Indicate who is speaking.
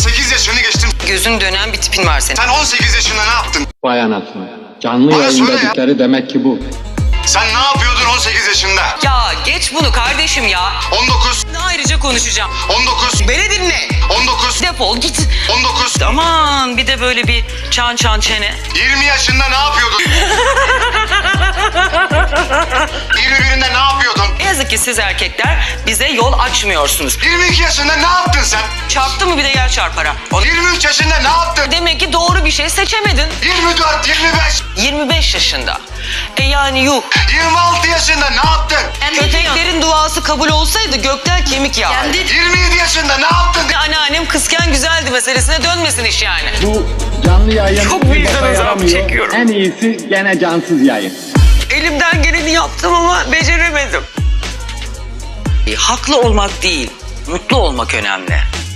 Speaker 1: 18 yaşını geçtin.
Speaker 2: Gözün dönen bir tipin var senin.
Speaker 1: Sen 18 yaşında ne yaptın?
Speaker 3: Vay anasını. Canlı
Speaker 1: Bana
Speaker 3: yayın
Speaker 1: söyle ya.
Speaker 3: dedikleri demek ki bu.
Speaker 1: Sen ne yapıyordun 18 yaşında?
Speaker 2: Ya geç bunu kardeşim ya.
Speaker 1: 19,
Speaker 2: Ayrıca konuşacağım.
Speaker 1: 19,
Speaker 2: Beni dinle.
Speaker 1: 19,
Speaker 2: Defol git.
Speaker 1: 19.
Speaker 2: Aman bir de böyle bir çan çene.
Speaker 1: 20 yaşında ne yapıyordun? 21'inde ne yapıyordun?
Speaker 2: Ne yazık ki siz erkekler bize yol açmıyorsunuz.
Speaker 1: 22 yaşında ne yaptın sen?
Speaker 2: Çarptı mı bir de yer çarpara.
Speaker 1: 23 yaşında ne yaptın?
Speaker 2: Demek ki doğru bir şey seçemedin.
Speaker 1: 24, 25,
Speaker 2: 25 yaşında. Yani yuh.
Speaker 1: 26 yaşında ne yaptın?
Speaker 2: Köpeklerin duası kabul olsaydı gökten kemik yağardı.
Speaker 1: 27 yaşında ne yaptın?
Speaker 2: Anneannem kızken güzeldi meselesine dönmesin iş yani.
Speaker 3: Bu canlı yayın
Speaker 2: Çok
Speaker 3: bir
Speaker 2: vicdan
Speaker 3: boka
Speaker 2: azabı
Speaker 3: yaramıyor.
Speaker 2: çekiyorum.
Speaker 3: En iyisi gene cansız yayın.
Speaker 2: Elimden geleni yaptım ama beceremedim. Haklı olmak değil, mutlu olmak önemli.